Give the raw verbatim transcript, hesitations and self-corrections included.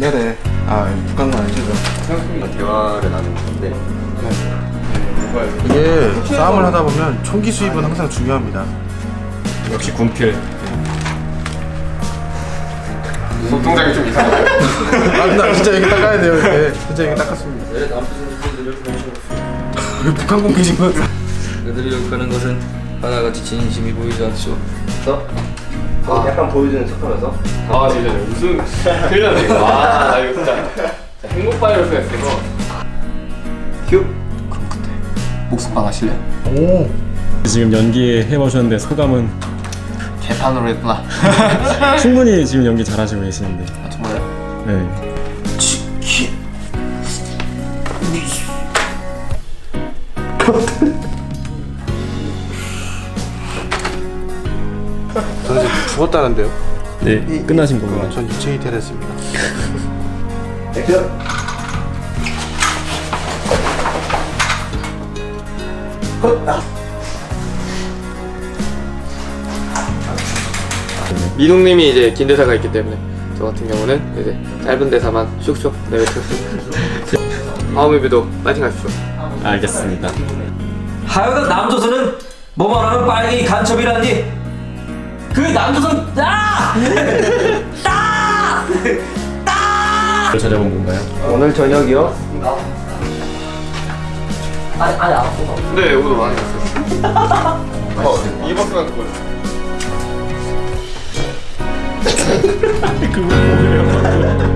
네네. 아, 북한만 아니시죠? 대화를 나누는 건데 이게 싸움을 하다 보면 총기 수입은 항상 중요합니다. 역시 군필. 소통장이 좀 이상하네. 아, 나 진짜 여기 닦아야 돼요. 이렇게. 진짜 여기 닦았습니다. 왜 남부선수들을 이렇게 모시고 북한 공기신 거. 그들이 욕하는 것은 하나같이 진심이 보이지 않죠. 더? 아, 약간 보여주는 척하면서 아 진짜 무슨 큰일 났네 이거. 아 이거 진짜, 진짜 행복 바이러스가 있어서. 휴 목숨방 하실래요? 오. 지금 연기 해보셨는데 소감은? 개판으로 했구나. 충분히 지금 연기 잘하시고 계시는데. 아 정말요? 네. 저는 지금 죽었다는데요. 네, 끝나신 겁니다. 전 유체이 테레스입니다. 액션! 민웅님이 이제 긴 대사가 있기 때문에 저 같은 경우는 이제 짧은 대사만 슉슉 내뱉었습니다. 다음 뮤비도 파이팅 하십시오. 알겠습니다. 하여간 남조선은 뭐 말하면 빨갱이 간첩이라니. 그 남조선 아! 따! 따! 저녁은 뭔가요? 오늘 저녁이요? 아니 아니 안 아파. 네, 오늘 많이 갔어요. 어, 이 버스만 그거. 그거 뭐예요?